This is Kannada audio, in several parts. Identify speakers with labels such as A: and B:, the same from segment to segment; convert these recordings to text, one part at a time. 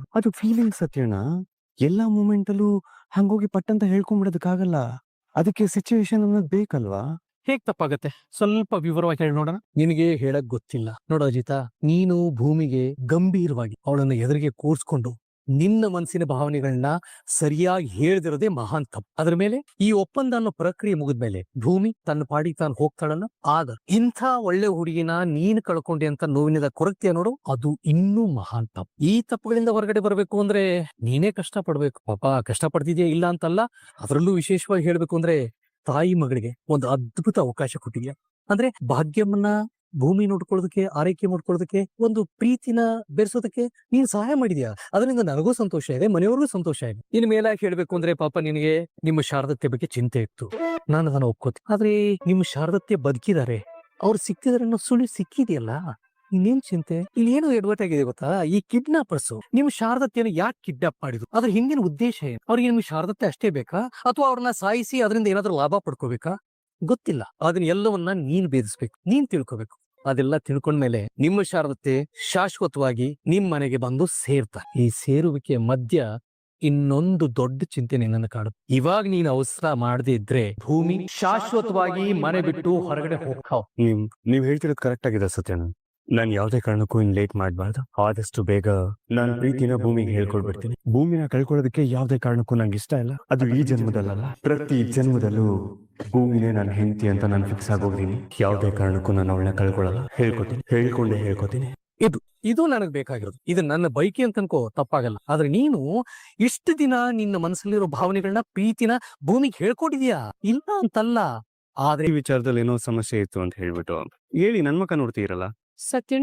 A: ಅದು ಫೀಲಿಂಗ್ ಸತ್ಯಣ್ಣ. ಎಲ್ಲಾ ಮೂಮೆಂಟಲ್ಲೂ ಹಂಗೋಗಿ ಪಟ್ಟಂತ ಹೇಳ್ಕೊಂಡ್ಬಿಡೋದಕ್ಕಾಗಲ್ಲ. ಅದಕ್ಕೆ ಸಿಚುವೇಶನ್ ಅನ್ನೋದು ಬೇಕಲ್ವಾ?
B: ಹೇಗ್ ತಪ್ಪಾಗತ್ತೆ? ಸ್ವಲ್ಪ ವಿವರವಾಗಿ ಹೇಳಿ ನೋಡೋಣ. ನಿನಗೆ ಹೇಳಕ್ ಗೊತ್ತಿಲ್ಲ ನೋಡು ಅಜಿತಾ, ನೀನು ಭೂಮಿಗೆ ಗಂಭೀರವಾಗಿ ಅವಳನ್ನ ಎದುರಿಗೆ ಕೂರ್ಸ್ಕೊಂಡು ನಿನ್ನ ಮನಸ್ಸಿನ ಭಾವನೆಗಳನ್ನ ಸರಿಯಾಗಿ ಹೇಳ್ದಿರೋದೇ ಮಹಾನ್ ತಪ್ಪು. ಅದ್ರ ಮೇಲೆ ಈ ಒಪ್ಪಂದ ಅನ್ನೋ ಪ್ರಕ್ರಿಯೆ ಮುಗಿದ್ಮೇಲೆ ಭೂಮಿ ತನ್ನ ಪಾಡಿಗೆ ತಾನು ಹೋಗ್ತಾಳಲ್ಲ, ಆಗ ಇಂಥ ಒಳ್ಳೆ ಹುಡುಗಿನ ನೀನ್ ಕಳ್ಕೊಂಡೆ ಅಂತ ನೋವಿನಿಂದ ಕೊರಗ್ತೀಯ ನೋಡು, ಅದು ಇನ್ನೂ ಮಹಾನ್ ತಪ್ಪು. ಈ ತಪ್ಪುಗಳಿಂದ ಹೊರಗಡೆ ಬರ್ಬೇಕು ಅಂದ್ರೆ ನೀನೇ ಕಷ್ಟ ಪಡ್ಬೇಕು. ಪಾಪ ಕಷ್ಟ ಪಡ್ತಿದ್ಯಾ ಇಲ್ಲ ಅಂತಲ್ಲ, ಅದರಲ್ಲೂ ವಿಶೇಷವಾಗಿ ಹೇಳ್ಬೇಕು ಅಂದ್ರೆ ತಾಯಿ ಮಗಳಿಗೆ ಒಂದು ಅದ್ಭುತ ಅವಕಾಶ ಕೊಟ್ಟಿದ್ಯಾ. ಅಂದ್ರೆ ಭಾಗ್ಯಮ್ಮನ್ನ ಭೂಮಿ ನೋಡ್ಕೊಳ್ಳೋದಕ್ಕೆ, ಆರೈಕೆ ಮಾಡ್ಕೊಳ್ಳೋದಕ್ಕೆ, ಒಂದು ಪ್ರೀತಿನ ಬೆರೆಸೋದಕ್ಕೆ ನೀನ್ ಸಹಾಯ ಮಾಡಿದ್ಯಾ. ಅದರಿಂದ ನನಗೂ ಸಂತೋಷ ಇದೆ, ಮನೆಯವ್ರಿಗೂ ಸಂತೋಷ ಇದೆ. ಇನ್ ಮೇಲಾಗಿ ಹೇಳ್ಬೇಕು ಅಂದ್ರೆ ಪಾಪ ನಿನಗೆ ನಿಮ್ಮ ಶಾರದತ್ಯ ಬಗ್ಗೆ ಚಿಂತೆ ಇತ್ತು, ನಾನು ಅದನ್ನ ಒಪ್ಕೋತೀನಿ. ಆದ್ರೆ ನಿಮ್ಮ ಶಾರದತ್ಯ ಬದುಕಿದ್ದಾರೆ, ಅವ್ರು ಸಿಕ್ಕಿದಾರೆ ಅನ್ನೋ ಸುಳ್ಳು ಸಿಕ್ಕಿದೆಯಲ್ಲ, ಇನ್ನೇನ್ ಚಿಂತೆ? ಇಲ್ಲಿ ಏನು ಎಡವಟ್ ಆಗಿದೆ ಗೊತ್ತಾ? ಈ ಕಿಡ್ನಾಪರ್ಸ್ ನಿಮ್ ಶಾರದತ್ಯನ ಯಾಕೆ ಕಿಡ್ನಾಪ್ ಮಾಡಿದ್ರು? ಅದ್ರ ಹಿಂದಿನ ಉದ್ದೇಶ ಏನು? ಅವ್ರಿಗೆ ನಿಮ್ ಶಾರದತ್ಯ ಅಷ್ಟೇ ಬೇಕಾ, ಅಥವಾ ಅವ್ರನ್ನ ಸಾಯಿಸಿ ಅದರಿಂದ ಏನಾದ್ರೂ ಲಾಭ ಪಡ್ಕೋಬೇಕಾ? ಗೊತ್ತಿಲ್ಲ. ಅದನ್ನ ಎಲ್ಲವನ್ನ ನೀನ್ ಭೇದಿಸ್ಬೇಕು, ನೀನ್ ತಿಳ್ಕೋಬೇಕು. ಅದೆಲ್ಲ ತಿಳ್ಕೊಂಡ್ಮೇಲೆ ನಿಮ್ಮ ಶಾರದತೆ ಶಾಶ್ವತವಾಗಿ ನಿಮ್ ಮನೆಗೆ ಬಂದು ಸೇರ್ತಾ. ಈ ಸೇರುವಿಕೆ ಮಧ್ಯ ಇನ್ನೊಂದು ದೊಡ್ಡ ಚಿಂತೆ ನಿನ್ನನ್ನು ಕಾಡುತ್ತೆ. ಇವಾಗ ನೀನ್ ಅವಸರ ಮಾಡದೇ ಇದ್ರೆ ಭೂಮಿ ಶಾಶ್ವತವಾಗಿ ಮನೆ ಬಿಟ್ಟು ಹೊರಗಡೆ ಹೋಗ್ತಾವ್.
A: ನೀವ್ ಹೇಳ್ತಿರೋದು ಕರೆಕ್ಟ್ ಆಗಿದೆ ಸತ್ಯಣ್ಣ. ನಾನ್ ಯಾವ್ದೇ ಕಾರಣಕ್ಕೂ ಇನ್ ಲೇಟ್ ಮಾಡ್ಬಾರ್ದು. ಆದಷ್ಟು ಬೇಗ ನಾನ್ ಪ್ರೀತಿನ ಭೂಮಿಗೆ ಹೇಳ್ಕೊಡ್ಬಿಡ್ತೀನಿ. ಭೂಮಿನ ಕಳ್ಕೊಳ್ಳೋದಕ್ಕೆ ಯಾವ್ದೇ ಕಾರಣಕ್ಕೂ ನಂಗೆ ಇಷ್ಟ ಇಲ್ಲ. ಅದು ಈ ಜನ್ಮದಲ್ಲ, ಪ್ರತಿ ಜನ್ಮದಲ್ಲೂ ಭೂಮಿನೇ ನನ್ನ ಹೆಂಡತಿ ಅಂತ ನಾನು ಫಿಕ್ಸ್ ಆಗೋಗ್ತೀನಿ. ಯಾವ್ದೇ ಕಾರಣಕ್ಕೂ ನಾನು ಅವಳನ್ನ ಕಳ್ಕೊಳ್ಳಲ್ಲ. ಹೇಳ್ಕೊತೀನಿ.
B: ಇದು ನನಗ್ ಬೇಕಾಗಿರೋದು. ಇದು ನನ್ನ ಬೈಕಿ ಅಂತ ಅನ್ಕೋ, ತಪ್ಪಾಗಲ್ಲ. ಆದ್ರೆ ನೀನು ಇಷ್ಟು ದಿನ ನಿನ್ನ ಮನಸ್ಸಲ್ಲಿರೋ ಭಾವನೆಗಳನ್ನ, ಪ್ರೀತಿನ ಭೂಮಿಗೆ ಹೇಳ್ಕೊಟ್ಟಿದ್ಯಾ, ಇಲ್ಲ ಅಂತಲ್ಲ. ಆದ್ರೆ
A: ಈ ವಿಚಾರದಲ್ಲಿ ಏನೋ ಸಮಸ್ಯೆ ಇತ್ತು ಅಂತ ಹೇಳ್ಬಿಟ್ಟು ಹೇಳಿ ನನ್ ಮಕ್ಕ ನೋಡ್ತೀರಲ್ಲ
C: ಸತ್ಯಣ್ಣ,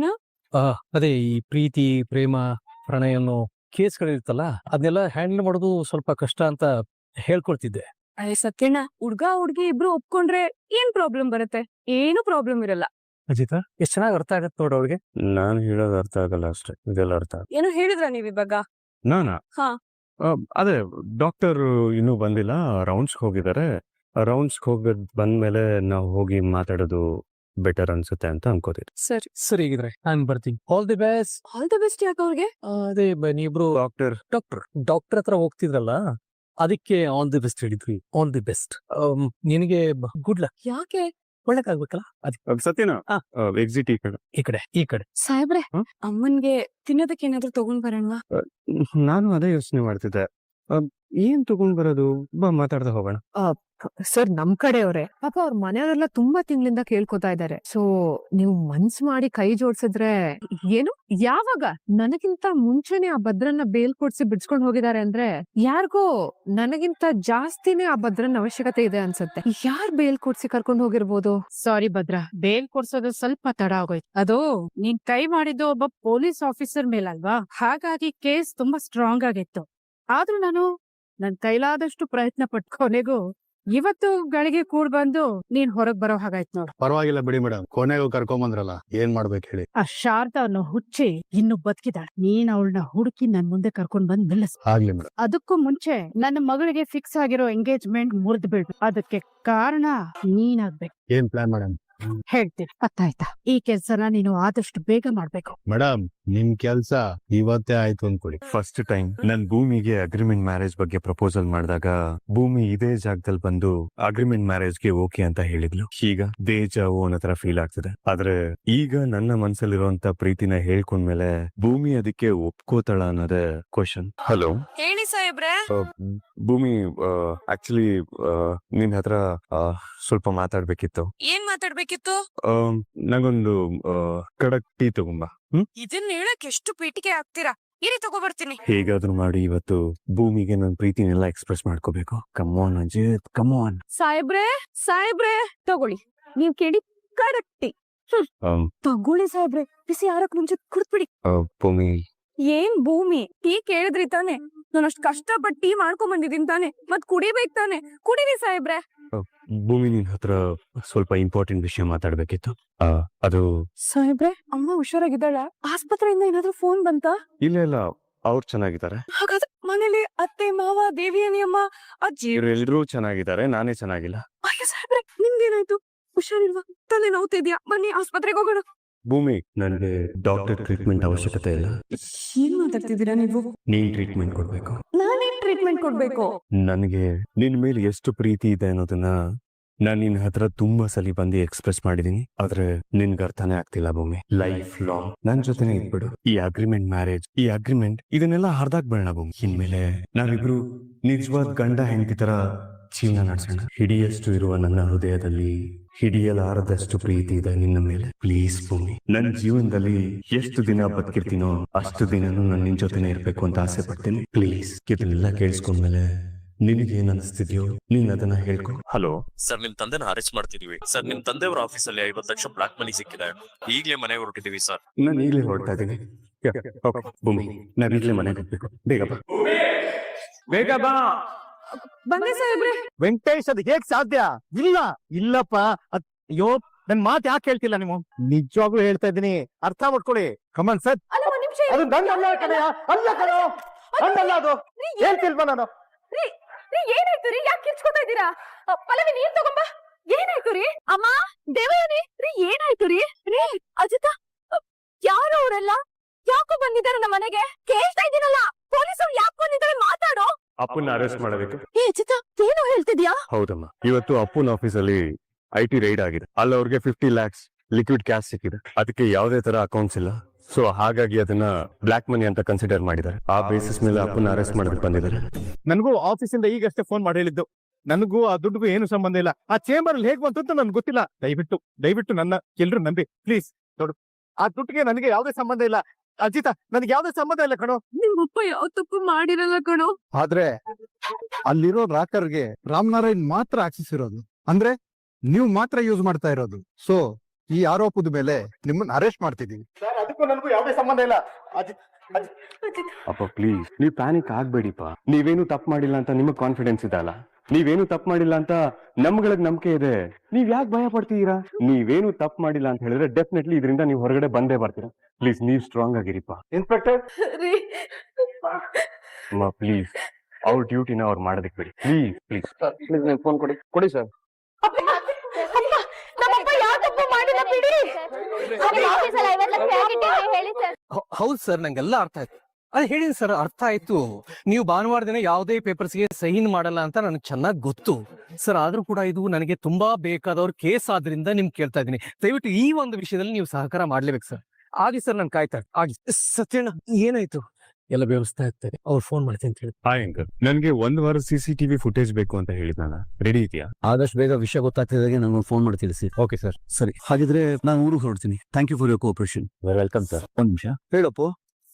B: ಅದೇ ಈ ಪ್ರೀತಿ, ಪ್ರೇಮ, ಪ್ರಣಯ ಅನ್ನೋ ಕೇಸ್ಗಳಿರ್ತಲ್ಲ, ಅದನ್ನೆಲ್ಲ ಹ್ಯಾಂಡಲ್ ಮಾಡೋದು ಸ್ವಲ್ಪ ಕಷ್ಟ ಅಂತ ಹೇಳ್ಕೊಳ್ತಿದ್ದೆ.
C: ಅಯ್ಯ ಸತ್ಯಣ್ಣ, ಹುಡ್ಗಿ ಇಬ್ರು ಒಪ್ಕೊಂಡ್ರೆ ಏನ್ ಪ್ರಾಬ್ಲಮ್ ಬರುತ್ತೆ? ಏನು ಪ್ರಾಬ್ಲಮ್ ಇರಲ್ಲ.
B: ಅಜಿತಾ, ಎಷ್ಟ್ ಚೆನ್ನಾಗಿ ಅರ್ಥ ಆಗತ್ತೆ ನೋಡ ಅವ್ರಿಗೆ.
A: ನಾನು ಹೇಳೋದು ಅರ್ಥ ಆಗಲ್ಲ ಅಷ್ಟೇ, ಇದೆಲ್ಲ ಅರ್ಥ.
C: ಏನೋ ಹೇಳಿದ್ರ ನೀವ್ ಇವಾಗ?
A: ನಾನಾ?
C: ಹಾ.
A: ಅದೇ ಡಾಕ್ಟರ್ ಇನ್ನೂ ಬಂದಿಲ್ಲ, ರೌಂಡ್ಸ್ ಹೋಗಿದ್ದಾರೆ. ರೌಂಡ್ಸ್ ಹೋಗೋದ್ ಬಂದ್ಮೇಲೆ ನಾವು ಹೋಗಿ ಮಾತಾಡೋದು ಬೆಟರ್ ಅನ್ಸುತ್ತೆ ಅಂತ ಅನ್ಕೋತೀನಿ.
C: ಸರಿ
B: ಸರಿ, ಹೀಗಿದ್ರೆ ನಾನು ಬರ್ತೀನಿ. All the best.
C: All the best. ಯಾಕೆ ಅವ್ರಿಗೆ?
B: ಅದೇ ನೀವಿಬ್ರು ಡಾಕ್ಟರ್ ಹತ್ರ ಹೋಗ್ತಿದ್ರಲ್ಲ, ಅದಕ್ಕೆ ಆಲ್ ದಿ ಬೆಸ್ಟ್ ಹೇಳಿದ್ವಿ. All the best. ನಿನಗೆ ಗುಡ್ ಲಕ್.
C: ಯಾಕೆ?
B: ಒಳ್ಳೇದಾಗ್ಬೇಕಲ್ಲ ಅದಕ್ಕೆ.
A: ಸತ್ಯನಾ? ಎಕ್ಸಿಟ್ ಈ ಕಡೆ.
C: ಸಾಹೇಬ್ರೆ, ಅಮ್ಮನ್ಗೆ ತಿನ್ನೋದಕ್ಕೆ ಏನಾದ್ರು ತಗೊಂಡ್ ಬರೋಣವಾ?
A: ನಾನು ಅದೇ ಯೋಚನೆ ಮಾಡ್ತಿದ್ದೆ, ಏನ್ ತಗೊಂಡ್ ಬರೋದು, ಬಾ ಮಾತಾಡ್ತಾ ಹೋಗೋಣ.
D: ಸರ್, ನಮ್ ಕಡೆಯವ್ರೆ ಪಾಪ ಅವ್ರ ಮನೆಯವರೆಲ್ಲ ತುಂಬಾ ತಿಂಗಳಿಂದ ಕೇಳ್ಕೊತಾ ಇದಾರೆ. ಸೊ ನೀವು ಮನ್ಸ್ ಮಾಡಿ ಕೈ ಜೋಡ್ಸಿದ್ರೆ ಏನು, ಯಾವಾಗ ನನಗಿಂತ ಮುಂಚೆನೆ ಆ ಭದ್ರನ್ನ ಬೇಲ್ ಕೊಡ್ಸಿ ಬಿಡ್ಸ್ಕೊಂಡ್ ಹೋಗಿದ್ದಾರೆ ಅಂದ್ರೆ ಯಾರಿಗೋ ನನಗಿಂತ ಜಾಸ್ತಿನೇ ಆ ಭದ್ರನ ಅವಶ್ಯಕತೆ ಇದೆ ಅನ್ಸತ್ತೆ. ಯಾರ್ ಬೇಲ್ ಕೊಡ್ಸಿ ಕರ್ಕೊಂಡ್ ಹೋಗಿರ್ಬೋದು? ಸಾರಿ ಭದ್ರ, ಬೇಲ್ ಕೊಡ್ಸೋದು ಸ್ವಲ್ಪ ತಡ ಆಗೋಯ್ತು. ಅದು ನೀನ್ ಕೈ ಮಾಡಿದ್ದು ಒಬ್ಬ ಪೊಲೀಸ್ ಆಫೀಸರ್ ಮೇಲಲ್ವಾ, ಹಾಗಾಗಿ ಕೇಸ್ ತುಂಬಾ ಸ್ಟ್ರಾಂಗ್ ಆಗಿತ್ತು. ಆದ್ರೂ ನಾನು ನನ್ ಕೈಲಾದಷ್ಟು ಪ್ರಯತ್ನ ಪಟ್ಟು ಕೊನೆಗೂ ಇವತ್ತು ಗಳಿಗೆ ಕೂಡ್ ಬಂದು ನೀನ್ ಹೊರಗ್ ಬರೋ ಹಾಗಾಯ್ತು ನೋಡು.
E: ಪರವಾಗಿಲ್ಲ ಬಿಡಿ ಮೇಡಮ್, ಕೊನೆಗೂ ಕರ್ಕೊಂಬಂದ್ರಲ್ಲ, ಏನ್ ಮಾಡ್ಬೇಕು ಹೇಳಿ.
D: ಆ ಶಾರದಾ ಅನ್ನೋ ಹುಚ್ಚಿ ಇನ್ನು ಬದುಕಿದಾಳೆ. ನೀನ್ ಅವಳನ್ನ ಹುಡುಕಿ ನನ್ ಮುಂದೆ ಕರ್ಕೊಂಡ್ ಬಂದ್ ನಿಲ್ಲಿಸ್.
E: ಆಗ್ಲಿ ಮೇಡಮ್.
D: ಅದಕ್ಕೂ ಮುಂಚೆ ನನ್ನ ಮಗಳಿಗೆ ಫಿಕ್ಸ್ ಆಗಿರೋ ಎಂಗೇಜ್ಮೆಂಟ್ ಮುರಿದ್ ಬಿಡ್ಬೇಕು. ಅದಕ್ಕೆ ಕಾರಣ ನೀನಾಗ್ಬೇಕು.
E: ಏನ್ ಪ್ಲಾನ್ ಮೇಡಮ್?
D: ಹೇಳ್ತೀನಿ, ಅರ್ಥಾಯ್ತಾ? ಈ ಕೆಲ್ಸನ ನೀನು ಆದಷ್ಟು ಬೇಗ ಮಾಡ್ಬೇಕು.
E: ಮೇಡಮ್, ನಿಮ್ ಕೆಲ್ಸ ಇವತ್ತೇ ಆಯ್ತು ಅನ್ಕೊಳ್ಳಿ.
A: ಫಸ್ಟ್ ಟೈಮ್ ನನ್ ಭೂಮಿಗೆ ಅಗ್ರಿಮೆಂಟ್ ಮ್ಯಾರೇಜ್ ಬಗ್ಗೆ ಪ್ರಪೋಸಲ್ ಮಾಡಿದಾಗ ಭೂಮಿ ಇದೇ ಜಾಗದಲ್ಲಿ ಬಂದು ಅಗ್ರಿಮೆಂಟ್ ಮ್ಯಾರೇಜ್ಗೆ ಓಕೆ ಅಂತ ಹೇಳಿದ್ಲು. ಈಗ ದೇಜಾವು ಅನ್ನೋ ತರ ಫೀಲ್ ಆಗ್ತದೆ. ಆದ್ರೆ ಈಗ ನನ್ನ ಮನ್ಸಲ್ಲಿರುವಂತ ಪ್ರೀತಿನ ಹೇಳ್ಕೊಂಡ್ಮೇಲೆ ಭೂಮಿ ಅದಕ್ಕೆ ಒಪ್ಕೋತಾಳ ಅನ್ನೋದೇ ಕ್ವಶನ್. ಹಲೋ
C: ಹೇಳಿ ಸಾಹೇಬ್ರೆ.
A: ಭೂಮಿ, ಆಕ್ಚುಲಿ ನಿನ್ ಹತ್ರ ಸ್ವಲ್ಪ ಮಾತಾಡ್ಬೇಕಿತ್ತು.
C: ಏನ್ ಮಾತಾಡ್ಬೇಕಿತ್ತು?
A: ನಂಗೊಂದು ಕಡಕ್ ಟೀ ತಗೊಂಬ.
C: ಇದನ್ನ ಹೇಳಕ್ ಎಷ್ಟು ಪೀಟಿಗೆ ಆಗ್ತೀರಾ? ಇರಿ, ತಗೋಬರ್ತೀನಿ.
A: ಹೇಗಾದ್ರೂ ಮಾಡಿ ಇವತ್ತು ಭೂಮಿಗೆ ನನ್ನ ಪ್ರೀತಿನೆಲ್ಲ ಎಕ್ಸ್ಪ್ರೆಸ್ ಮಾಡ್ಕೋಬೇಕು. ಕಮಾನ್ ಅಜಿತ್, ಕಮಾನ್.
C: ಸಾಹೇಬ್ರೆ ತಗೊಳ್ಳಿ. ನೀವ್ ಕೇಳಿ ಕಡಕ್ಟಿ. ತಗೊಳ್ಳಿ ಸಾಹೇಬ್ರೆ, ಬಿಸಿ ಆರಕ್ ಮುಂಚೆ ಕುಡ್ದ್ಬಿಡಿ.
A: ಭೂಮಿ,
C: ಏನ್ ಭೂಮಿ, ಟೀ ಕೇಳಿದ್ರಿ ತಾನೆ? ನಾನು ಅಷ್ಟ್ ಕಷ್ಟಪಟ್ಟು ಟೀ ಮಾಡ್ಕೊಂಡ್ ಬಂದಿದ್ದೀನಿ ತಾನೆ, ಮತ್ ಕುಡಿಬೇಕ್ ತಾನೆ, ಕುಡೀರಿ ಸಾಹೇಬ್ರೆ.
A: ಭೂಮಿ, ನಿನ್ ಹತ್ರ ಸ್ವಲ್ಪ ಇಂಪಾರ್ಟೆಂಟ್ ವಿಷಯ ಮಾತಾಡ್ಬೇಕಿತ್ತು. ಅದು
C: ಸಾಹೇಬ್ರೆ, ಅಮ್ಮ ಹುಷಾರಾಗಿದ್ದಾಳ? ಆಸ್ಪತ್ರೆಯಿಂದ ಏನಾದ್ರೂ ಫೋನ್ ಬಂತಾ?
A: ಇಲ್ಲ, ಅವ್ರು ಚೆನ್ನಾಗಿದ್ದಾರೆ.
C: ಹಾಗಾದ್ರೆ ಮನೇಲಿ ಅತ್ತೆ, ಮಾವ, ದೇವಿಯನಿ ಅಮ್ಮ, ಅಜ್ಜಿ
A: ಇವರೆಲ್ಲರೂ ಚೆನ್ನಾಗಿದ್ದಾರೆ, ನಾನೇ ಚೆನ್ನಾಗಿಲ್ಲ.
C: ಅಯ್ಯ ಸಾಹೇಬ್ರೆ, ನಿಮ್ಗೇನಾಯ್ತು? ಹುಷಾರಿಲ್ವಾ? ತಲೆ ನೋವ್ತಿದ್ಯಾ? ಬನ್ನಿ ಆಸ್ಪತ್ರೆಗೆ ಹೋಗೋಣ.
A: ಭೂಮಿ, ನನಗೆ ಡಾಕ್ಟರ್ ಟ್ರೀಟ್ಮೆಂಟ್ ಅವಶ್ಯಕತೆ ಇಲ್ಲ.
C: ಏನ್ ಮಾತಾಡ್ತಿದ್ದೀರಾ ನೀವು?
A: ನೀನ್ ಟ್ರೀಟ್ಮೆಂಟ್ ಕೊಡ್ಬೇಕು.
C: ನಾನೇನ್ ಟ್ರೀಟ್ಮೆಂಟ್ ಕೊಡ್ಬೇಕು?
A: ನನಗೆ ನಿನ್ ಮೇಲೆ ಎಷ್ಟು ಪ್ರೀತಿ ಇದೆ ಅನ್ನೋದನ್ನ ನಾನು ನಿನ್ ಹತ್ರ ತುಂಬಾ ಸಲ ಬಂದು ಎಕ್ಸ್ಪ್ರೆಸ್ ಮಾಡಿದೀನಿ. ಆದ್ರೆ ನಿನ್ಗೆ ಅರ್ಥನೇ ಆಗ್ತಿಲ್ಲ ಭೂಮಿ. ಲೈಫ್ ಲಾಂಗ್ ನನ್ ಜೊತೆನೆ ಇದ್ಬಿಡು. ಈ ಅಗ್ರಿಮೆಂಟ್ ಮ್ಯಾರೇಜ್, ಈ ಅಗ್ರಿಮೆಂಟ್ ಇದನ್ನೆಲ್ಲ ಹರ್ದಾಕ್ಬೇಡ ಭೂಮಿ. ಇನ್ಮೇಲೆ ನಾವಿಬ್ರು ನಿಜವಾದ ಗಂಡ ಹೆಂಡತಿ ತರ ಜೀವನ ನಡೆಸೋಣ. ಹಿಡಿಯಷ್ಟು ಇರುವ ನನ್ನ ಹೃದಯದಲ್ಲಿ ಹಿಡಿಯಲಾರದಷ್ಟು ಪ್ರೀತಿ ಇದೆ ನಿನ್ನ ಮೇಲೆ. ಪ್ಲೀಸ್ ಭೂಮಿ, ನನ್ನ ಜೀವನದಲ್ಲಿ ಎಷ್ಟು ದಿನ ಬದುಕಿರ್ತೀನೋ ಅಷ್ಟು ದಿನನೂ ನಾನು ನಿನ್ ಜೊತೆನೆ ಇರ್ಬೇಕು ಅಂತ ಆಸೆ ಪಡ್ತೀನಿ. ಪ್ಲೀಸ್, ಇದನ್ನೆಲ್ಲ ಕೇಳಿಸ್ಕೊಂಡ್ಮೇಲೆ ನಿನಗೇನ್ ಅನಿಸ್ತಿದ್ಯೋ ನೀನ್ ಅದನ್ನ ಹೇಳ್ಕೊ. ಹಲೋ
F: ಸರ್, ನಿಮ್ ತಂದೆನ ಅರೆಸ್ಟ್ ಮಾಡ್ತಿದೀವಿ ಸರ್. ನಿಮ್ ತಂದೆಯವರ ಆಫೀಸಲ್ಲಿ 50 ಲಕ್ಷ ಬ್ಲಾಕ್ ಮನಿ ಸಿಕ್ಕಿದೆ. ಈಗಲೇ ಮನೆಗೆ ಹೊರಟಿದೀವಿ ಸರ್.
A: ನಾನು ಈಗಲೇ ಹೊರಡ್ತಾ ಇದ್ದೀನಿ. ಭೂಮಿ, ನಾವ್ ಈಗಲೇ ಮನೆಗೆ ಹೋಗ್ಬೇಕು. ಬೇಗ ಬಾ, ಬೇಗ ಬಾ.
C: ಬಂದೆ ಸಾಹೇಬ್ರೆ.
B: ವೆಂಕಟೇಶ್, ಅದು ಹೇಗ್ ಸಾಧ್ಯ? ಇಲ್ಲಪ್ಪ. ಅಯ್ಯೋ, ನನ್ ಮಾತ್ ಯಾಕೆ ಹೇಳ್ತಿಲ್ಲ ನೀವು? ನಿಜವಾಗ್ಲೂ ಹೇಳ್ತಾ ಇದ್ದೀನಿ, ಅರ್ಥ ಮಾಡ್ಕೊಳ್ಳಿ. Come on sir.
C: ಅಲ್ಲ, ಒಂದ್ ನಿಮಿಷ
B: ಅದು ನನ್ನಲ್ಲ ಕಣಯ್ಯ, ಅಲ್ಲ ಕಣೋ, ನನ್ನಲ್ಲ ಅದು. ಹೇಳ್ತಿಲ್ವಾ ನಾನು?
C: ರೀ ಏನಾಯ್ತು ರೀ? ಯಾಕೆ ಕಿರ್ಚ್ಕೊತಾ ಇದ್ದೀರಾ? ಪಲ್ಲವಿ, ನೀರ್ ತಗೊಂಬ. ಏನಾಯ್ತು ರೀ? ಅಮ್ಮ, ದೇವಯಾನಿ, ರೀ ಏನಾಯ್ತು ರೀ? ರೀ ಅಜಿತ, ಯಾರು ಅವರೆಲ್ಲ? ಯಾಕೋ ಬಂದಿದ್ದಾರೆ ನಮ್ಮ ಮನೆಗೆ? ಕೇಳ್ತಾ ಇದ್ದೀನಲ್ಲ, ಪೊಲೀಸರು ಯಾಕೆ ಬಂದಿದ್ದಾರೆ? ಮಾತಾಡೋ.
A: ಅಪ್ಪನ ಅರೆಸ್ಟ್ ಮಾಡಬೇಕು.
C: ಏ ಅಜಿತ, ಏನು ಹೇಳ್ತಿದ್ಯಾ?
A: ಹೌದಮ್ಮ, ಇವತ್ತು ಅಪ್ಪನ ಆಫೀಸಲ್ಲಿ IT ರೈಡ್ ಆಗಿದೆ. ಅಲ್ಲಿ ಅವ್ರಿಗೆ 50 lakhs ಲಿಕ್ವಿಡ್ ಕ್ಯಾಶ್ ಸಿಕ್ಕಿದೆ. ಅದಕ್ಕೆ ಯಾವುದೇ ತರ ಅಕೌಂಟ್ಸ್ ಇಲ್ಲ. ಸೊ ಹಾಗಾಗಿ ಅದನ್ನ ಬ್ಲಾಕ್ ಮನಿ ಅಂತ ಕನ್ಸಿಡರ್ ಮಾಡಿದ್ದಾರೆ. ಆ ಬೇಸಿಸ್ ಮೇಲೆ ಅಪ್ಪನ ಅರೆಸ್ಟ್ ಮಾಡೋದಕ್ಕೆ ಬಂದಿದ್ದಾರೆ.
B: ನನಗೂ ಆಫೀಸಿಂದ ಈಗಷ್ಟೇ ಫೋನ್ ಮಾಡಿ ಹೇಳಿದ್ದು. ನನಗೂ ಆ ದುಡ್ಡುಗೂ ಏನು ಸಂಬಂಧ ಇಲ್ಲ. ಆ ಚೇಂಬರ್ ಅಲ್ಲಿ ಹೇಗ್ ಬಂತು ಅಂತ ನನ್ಗೆ ಗೊತ್ತಿಲ್ಲ. ದಯವಿಟ್ಟು ನನ್ನ ಎಲ್ರು ನಂಬಿ ಪ್ಲೀಸ್. ನೋಡು, ಆ ದುಡ್ಡಿಗೆ ನನಗೆ ಯಾವುದೇ ಸಂಬಂಧ ಇಲ್ಲ. ಅಜಿತ, ನನಗೆ ಯಾವುದೇ ಸಂಬಂಧ ಇಲ್ಲ ಕಣೋ.
C: ನಿಮ್ಮಪ್ಪ ಯಾವ ತಪ್ಪು ಮಾಡಿರಲ್ಲ ಕಣೋ.
E: ಆದ್ರೆ ಅಲ್ಲಿರೋ ರಾಕರ್ಗೆ ರಾಮನಾರಾಯಣ್ ಮಾತ್ರ ಆಕ್ಸೆಸ್ ಇರೋದು. ಅಂದ್ರೆ ನೀವು ಮಾತ್ರ ಯೂಸ್ ಮಾಡ್ತಾ ಇರೋದು. ಸೊ ಈ ಆರೋಪದ ಮೇಲೆ ನಿಮ್ಮನ್ನ ಅರೆಸ್ಟ್ ಮಾಡ್ತಿದೀವಿ.
B: ಅದಕ್ಕೂ ನನಗೂ ಯಾವುದೇ ಸಂಬಂಧ ಇಲ್ಲ.
A: ಅಪ್ಪ ಪ್ಲೀಸ್, ನೀವ್ ಪ್ಯಾನಿಕ್ ಆಗ್ಬೇಡಿಪ್ಪ. ನೀವೇನು ತಪ್ಪು ಮಾಡಿಲ್ಲ ಅಂತ ನಿಮಗ್ ಕಾನ್ಫಿಡೆನ್ಸ್ ಇದೆ ಅಲ್ಲ. ನೀವೇನು ತಪ್ಪು ಮಾಡಿಲ್ಲ ಅಂತ ನಮ್ಗಳಿಗೆ ನಂಬಿಕೆ ಇದೆ. ನೀವ್ ಯಾಕೆ ಭಯ ಪಡ್ತೀರಾ? ನೀವೇನು ತಪ್ಪು ಮಾಡಿಲ್ಲ ಅಂತ ಹೇಳಿದ್ರೆ ಡೆಫಿನೆಟ್ಲಿ ಇದರಿಂದ ನೀವು ಹೊರಗಡೆ ಬಂದೇ ಬರ್ತೀರಾ. ಪ್ಲೀಸ್, ನೀವ್ ಸ್ಟ್ರಾಂಗ್ ಆಗಿರಿಪ್ಪ.
B: ಇನ್ಸ್ಪೆಕ್ಟರ್,
C: ರೀ
A: ಅಮ್ಮ ಪ್ಲೀಸ್, ಅವ್ರ ಡ್ಯೂಟಿನ ಅವ್ರು ಮಾಡೋದಕ್ಕೆ ಬಿಡಿ. ಪ್ಲೀಸ್
B: ಫೋನ್ ಕೊಡಿ ಸರ್.
C: ನಮ್ಮಪ್ಪ ಯಾವ ತಪ್ಪು ಮಾಡಿಲ್ಲ, ಬಿಡಿ.
B: ಹೌದು ಸರ್, ನಂಗೆಲ್ಲ ಅರ್ಥ ಆಯ್ತು. ಅದ್ ಹೇಳಿನಿ ಸರ್, ಅರ್ಥ ಆಯ್ತು. ನೀವು ಭಾನುವಾರ ದಿನ ಯಾವುದೇ ಪೇಪರ್ಸ್ಗೆ ಸಹಿನ್ ಮಾಡಲ್ಲ ಅಂತ ನನಗೆ ಚೆನ್ನಾಗಿ ಗೊತ್ತು ಸರ್. ಆದ್ರೂ ಕೂಡ ಇದು ನನಗೆ ತುಂಬಾ ಬೇಕಾದವ್ರ ಕೇಸ್ ಆದ್ರಿಂದ ನಿಮ್ಗೆ ಕೇಳ್ತಾ ಇದ್ದೀನಿ. ದಯವಿಟ್ಟು ಈ ಒಂದು ವಿಷಯದಲ್ಲಿ ನೀವು ಸಹಕಾರ ಮಾಡ್ಲೇಬೇಕು ಸರ್. ಆಗಿ ಸರ್, ನಾನು ಕಾಯ್ತಾ ಆಗಿ. ಸತ್ಯಣ್ಣ, ಏನಾಯ್ತು? ಎಲ್ಲ ವ್ಯವಸ್ಥೆ ಆಗ್ತದೆ. ಅವ್ರು ಫೋನ್ ಮಾಡ್ತೀನಿ ಅಂತ ಹೇಳಿ.
A: ಹಾಯ್ ಅಂಕಲ್, ನನ್ಗೆ 1 ವಾರ CCTV ಫುಟೇಜ್ ಬೇಕು ಅಂತ ಹೇಳಿದ್ನಲ್ಲ, ರೆಡಿ ಇದೆಯಾ?
G: ಆದಷ್ಟು ಬೇಗ ವಿಷಯ ಗೊತ್ತಾಗ್ತಿದ್ದಾಗೆ ನಾನು ಫೋನ್ ಮಾಡಿ ತಿಳಿಸಿ.
A: Okay sir.
G: ಸರಿ, ಹಾಗಿದ್ರೆ ನಾನು ಊರಿಗೆ ಹೊರಡ್ತೀನಿ. Thank you for your cooperation.
A: Welcome sir.
G: ಒಂದ್ ನಿಮಿಷ. ಹೇಳಪ್ಪು.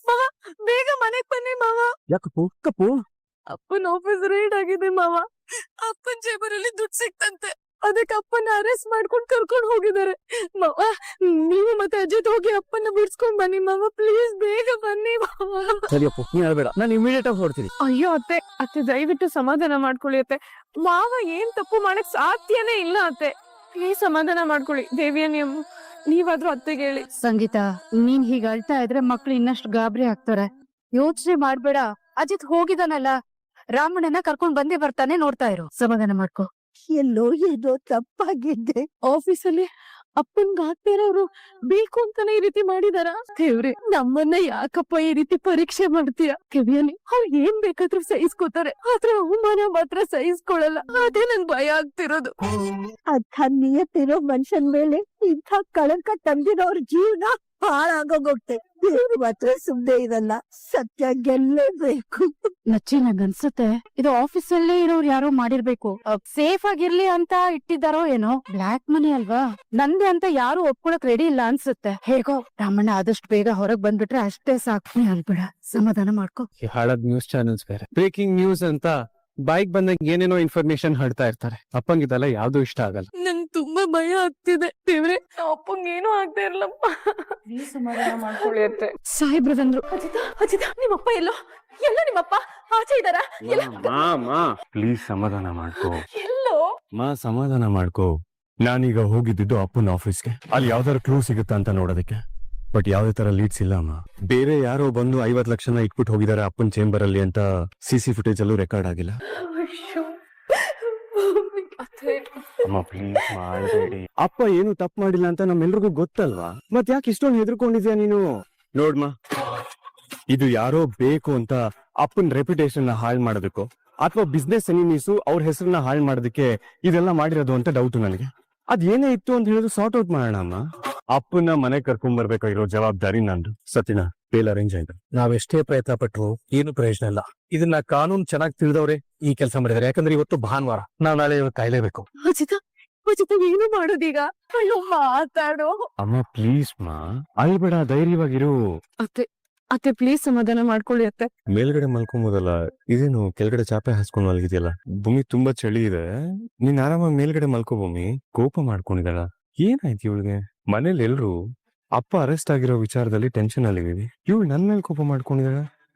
C: ಬೇಗ ಮನೆಗ್ ಬನ್ನಿ ಮಾವ.
G: ಯಾಕಪ್ಪು? ಕಪ್ಪು,
C: ಅಪ್ಪನ ಆಫೀಸ್ ರೈಡ್ ಆಗಿದೆ ಮಾವ. ಅಪ್ಪನ ಜೇಬರಲ್ಲಿ ದುಡ್ಡು ಸಿಕ್ತಂತೆ. ಅದಕ್ಕೆ ಅಪ್ಪನ ಅರೆಸ್ಟ್ ಮಾಡ್ಕೊಂಡು ಕರ್ಕೊಂಡು ಹೋಗಿದ್ದಾರೆ ಮಾವ. ನೀವು ಮತ್ತೆ ಅಜಿತ್ ಹೋಗಿ ಅಪ್ಪನ ಬಿಡ್ಸ್ಕೊಂಡ್ ಬನ್ನಿ ಮಾವ. ಪ್ಲೀಸ್ ಬೇಗ ಬನ್ನಿ ಮಾವ.
G: ಸರಿಯಪ್ಪು, ನೀನ್ ಹೇಳ್ಬೇಡ, ನಾನು ಇಮಿಡಿಯೇಟ್ ಆಗಿ ಹೊರಡ್ತೀನಿ.
D: ಅಯ್ಯೋ ಅತ್ತೆ ದಯವಿಟ್ಟು ಸಮಾಧಾನ ಮಾಡ್ಕೊಳ್ಳಿ ಅತ್ತೆ.
C: ಮಾವ ಏನ್ ತಪ್ಪು ಮಾಡಕ್ ಸಾಧ್ಯನೇ ಇಲ್ಲ ಅತ್ತೆ. ಪ್ಲೀಸ್ ಸಮಾಧಾನ ಮಾಡ್ಕೊಳ್ಳಿ. ದೇವಿಯನಿ ಅಮ್ಮ, ನೀವಾದ್ರೂ ಅತ್ತೆಗೆ ಹೇಳಿ.
H: ಸಂಗೀತ, ನೀನ್ ಹೀಗ ಅಳ್ತಾ ಇದ್ರೆ ಮಕ್ಳು ಇನ್ನಷ್ಟು ಗಾಬರಿ ಆಗ್ತಾರೆ. ಯೋಚನೆ ಮಾಡ್ಬೇಡ. ಅಜಿತ್ ಹೋಗಿದಾನಲ್ಲ, ರಾಮಣ್ಣನ ಕರ್ಕೊಂಡ್ ಬಂದೇ ಬರ್ತಾನೆ. ನೋಡ್ತಾ ಇರು, ಸಮಾಧಾನ ಮಾಡ್ಕೊ.
C: ಎಲ್ಲೋ ಏನೋ ತಪ್ಪಾಗಿದ್ದೆ. ಆಫೀಸಲ್ಲಿ ಅಪ್ಪನ್ಗ ಆಗ್ತಿರೋರು ಬೇಕು ಅಂತಾನೆ ಈ ರೀತಿ ಮಾಡಿದಾರ. ದೇವ್ರೆ, ನಮ್ಮನ್ನ ಯಾಕಪ್ಪ ಈ ರೀತಿ ಪರೀಕ್ಷೆ ಮಾಡ್ತೀಯ? ಕೆವಿಯನಿ, ಅವ್ರು ಏನ್ ಬೇಕಾದ್ರೂ ಸಹಿಸ್ಕೋತಾರೆ, ಆದ್ರೆ ಅವಮಾನ ಮಾತ್ರ ಸಹಿಸ್ಕೊಳಲ್ಲ. ಅದೇ ನನ್ ಭಯ ಆಗ್ತಿರೋದು. ಅಂಥ ನಿಯತ್ತಿರೋ ಮನುಷ್ಯನ್ ಮೇಲೆ ಇಂಥ ಕಳಂಕ ತಂದಿರೋರ್ ಜೀವನ ಹಾಳಾಗೋಗುತ್ತೆ. ದೇವ್ರು ಮಾತ್ರ ಸುಮ್ನೆ ಇರಲ್ಲ. ಸತ್ಯ ಗೆಲ್ಲೇಬೇಕು.
H: ನಚ್ಚಿ, ನಂಗನ್ಸುತ್ತೆ ಇದು ಆಫೀಸ್ ಅಲ್ಲೇ ಇರೋರು ಯಾರೋ ಮಾಡಿರ್ಬೇಕು. ಸೇಫ್ ಆಗಿರ್ಲಿ ಅಂತ ಇಟ್ಟಿದ್ದಾರೋ ಏನೋ. ಬ್ಲಾಕ್ ಮನಿ ಅಲ್ವಾ, ನಂದೆ ಅಂತ ಯಾರು ಒಪ್ಕೊಳಕ್ ರೆಡಿ ಇಲ್ಲ ಅನ್ಸುತ್ತೆ. ಹೇಗೋ ರಾಮಣ್ಣ ಆದಷ್ಟು ಬೇಗ ಹೊರಗ್ ಬಂದ್ಬಿಟ್ರೆ ಅಷ್ಟೇ ಸಾಕು. ನೀ ಅಲ್ಬೇಡ, ಸಮಾಧಾನ ಮಾಡ್ಕೊ.
B: ಈ ಹಾಳಾದ ನ್ಯೂಸ್ ಚಾನೆಲ್ಸ್ ಬೇರೆ ಬ್ರೇಕಿಂಗ್ ನ್ಯೂಸ್ ಅಂತ ಬೈಕ್ ಬಂದಾಗ ಏನೇನೋ ಇನ್ಫಾರ್ಮೇಶನ್ ಹಡ್ತಾ ಇರ್ತಾರೆ. ಅಪ್ಪಂಗಿದೆಲ್ಲ ಯಾವ್ದು ಇಷ್ಟ ಆಗಲ್ಲ.
C: ನಂಗ್ ತುಂಬಾ ಭಯ ಆಗ್ತಿದೆ. ದೇವ್ರೆ, ಅಪ್ಪಂಗ ಏನೂ ಆಗ್ತಾ ಇರಲ್ಲಪ್ಪ.
D: ಸಮಾಧಾನ ಮಾಡ್ಕೊಳ್ಳಿ ಅತ್ತೆ.
H: ಸಾಹೇಬ್ರು ಬಂದ್ರು.
C: ಅಜಿತ, ನಿಮ್ಮಪ್ಪ ಎಲ್ಲೋ? ನಿಮ್ಮಪ್ಪ ಆಚೆ ಇದಾರ?
A: ಪ್ಲೀಸ್ ಸಮಾಧಾನ ಮಾಡ್ಕೋ.
C: ಎಲ್ಲೋ
A: ಸಮಾಧಾನ ಮಾಡ್ಕೋ. ನಾನೀಗ ಹೋಗಿದ್ದು ಅಪ್ಪನ ಆಫೀಸ್ಗೆ. ಅಲ್ಲಿ ಯಾವ್ದಾರ ಕ್ಲೂ ಸಿಗುತ್ತಾ ಅಂತ ನೋಡೋದಕ್ಕೆ. ಬಟ್ ಯಾವ್ದೇ ತರ ಲೀಡ್ಸ್ ಇಲ್ಲ ಅಮ್ಮ. ಬೇರೆ ಯಾರೋ ಬಂದು 50 ಲಕ್ಷನ ಇಟ್ಬಿಟ್ಟು ಹೋಗಿದ್ದಾರೆ ಅಪ್ಪನ ಚೇಂಬರ್ ಅಲ್ಲಿ ಅಂತ CC ಫುಟೇಜ್ ಅಲ್ಲೂ ರೆಕಾರ್ಡ್ ಆಗಿಲ್ಲ.
C: ಅಯ್ಯೋ,
A: ಅಮ್ಮ ಪ್ಲೀಸ್ ಮಾಡಬೇಡಿ. ಅಪ್ಪ ಏನು ತಪ್ಪು ಮಾಡಿಲ್ಲ ಅಂತ ನಮ್ಮೆಲ್ರಿಗೂ ಗೊತ್ತಲ್ವಾ? ಮತ್ ಯಾಕೆ ಇಷ್ಟೊಂದು ಹೆದರ್ಕೊಂಡಿದ್ಯಾ ನೀನು? ನೋಡ್ಮಾ, ಇದು ಯಾರೋ ಬೇಕು ಅಂತ ಅಪ್ಪನ್ ರೆಪ್ಯುಟೇಷನ್ ನ ಹಾಳು ಮಾಡೋದಕ್ಕೋ ಅಥವಾ ಬಿಸ್ನೆಸ್ ಎನಿಮೀಸು ಅವ್ರ ಹೆಸರನ್ನ ಹಾಳು ಮಾಡೋದಕ್ಕೆ ಇದೆಲ್ಲ ಮಾಡಿರೋದು ಅಂತ ಡೌಟ್ ನನಗೆ. ಅದ್ ಏನೇ ಇತ್ತು ಅಂತ ಹೇಳಿದ್ರು ಸಾರ್ಟ್ ಔಟ್ ಮಾಡೋಣ ಅಮ್ಮ. ಅಪ್ಪನ ಮನೆ ಕರ್ಕೊಂಡ್ ಬರ್ಬೇಕಾಗಿರೋ ಜವಾಬ್ದಾರಿ ನಂದು. ಸತಿನ ಬೇಲ್ ಅರೇಂಜ್ ಆಯ್ತು.
B: ನಾವೆಷ್ಟೇ ಪ್ರಯತ್ನ ಪಟ್ರು ಏನು ಪ್ರಯೋಜನ ಇಲ್ಲ. ಇದನ್ನ ಕಾನೂನು ಚೆನ್ನಾಗಿ ತಿಳಿದವ್ರೆ ಈ ಕೆಲಸ ಮಾಡಿದಾರೆ. ಯಾಕಂದ್ರೆ ಇವತ್ತು ಭಾನುವಾರ, ನಾವ್ ನಾಳೆ ಕಾಯ್ಲೇಬೇಕು.
C: ಅಜಿತ ಏನು ಮಾಡೋದೀಗ? ಅಯ್ಯೋ ಮಾತಾಡು.
A: ಅಮ್ಮ ಪ್ಲೀಸ್ ಮಾ, ಅಲ್ಬೇಡ, ಧೈರ್ಯವಾಗಿರು.
C: ಅತ್ತೆ ಪ್ಲೀಸ್ ಸಮಾಧಾನ ಮಾಡ್ಕೊಳ್ಳಿ ಅತ್ತೆ.
A: ಮೇಲ್ಗಡೆ ಮಲ್ಕೊಂಬೋದಲ್ಲ, ಇದೇನು ಕೆಳಗಡೆ ಚಾಪೆ ಹಾಸ್ಕೊಂಡ್ ಮಲಗಿದ್ಯಲ್ಲ? ಭೂಮಿ ತುಂಬಾ ಚಳಿ ಇದೆ, ನೀನ್ ಆರಾಮಾಗಿ ಮೇಲ್ಗಡೆ ಮಲ್ಕೋ. ಭೂಮಿ ಕೋಪ ಮಾಡ್ಕೊಂಡಿದ್ದಾಳ. ಏನಾಯ್ತು ಇವಳಿಗೆ? ಮನೇಲಿ ಎಲ್ರು ಅಪ್ಪ ಅರೆಸ್ಟ್ ಆಗಿರೋ ವಿಚಾರದಲ್ಲಿ ಟೆನ್ಷನ್ ಅಲ್ಲಿ ಇವಳು ನನ್ ಮೇಲೆ ಕೋಪ ಮಾಡ್ಕೊಂಡಿದ್ದಾಳ.